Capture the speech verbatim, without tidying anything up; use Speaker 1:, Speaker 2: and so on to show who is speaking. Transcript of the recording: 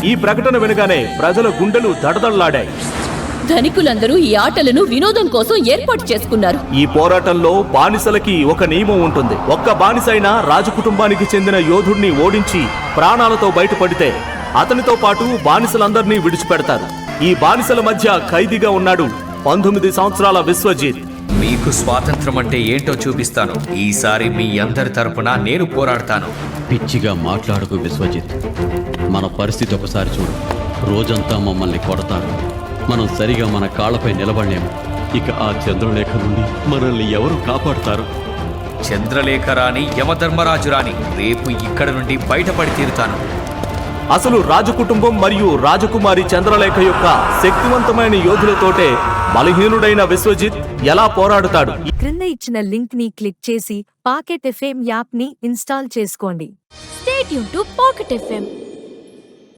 Speaker 1: ఈ ప్రకటన వినగానే ప్రజల గుండెలు దడదళ్లాడాయి.
Speaker 2: ధనికులందరూ ఈ ఆటలను వినోదం కోసం ఏర్పాటు చేసుకున్నారు.
Speaker 1: ఈ పోరాటంలో బానిసలకి ఒక నియమం ఉంటుంది. ఒక్క బానిసైనా రాజకుటుంబానికి చెందిన యోధుడిని ఓడించి ప్రాణాలతో బయటపడితే అతనితో పాటు బానిసలందరినీ విడిచిపెడతారు. ఈ బానిసల మధ్య ఖైదీగా ఉన్నాడు పంతొమ్మిది సంవత్సరాల విశ్వజిత్.
Speaker 3: మీకు స్వాతంత్రం అంటే ఏంటో చూపిస్తాను. ఈసారి మీ అందరి తరపున నేను పోరాడతాను.
Speaker 4: పిచ్చిగా మాట్లాడుకు విశ్వజిత్. మన పరిస్థితి ఒకసారి చూడు. రోజంతా మమ్మల్ని కొడతారు. మనం సరిగా మన కాళ్ళపై నిలబడలేము. ఇక ఆ చంద్రలేఖ నుండి మనల్ని ఎవరు కాపాడుతారు?
Speaker 3: చంద్రలేఖ రాణి, యమధర్మరాజు రాణి, రేపు ఇక్కడ నుండి బయటపడి తీరుతాను.
Speaker 1: అసలు రాజకుటుంబం మరియు రాజకుమారి చంద్రలేఖ యొక్క శక్తివంతమైన యోధులతోటే బలహీనుడైన విశ్వజిత్ ఎలా పోరాడుతాడు?
Speaker 5: క్రింద ఇచ్చిన లింక్ ని క్లిక్ చేసి పాకెట్ ఎఫ్ఎం యాప్ ని ఇన్స్టాల్ చేసుకోండి.
Speaker 6: Stay tuned to Pocket F M.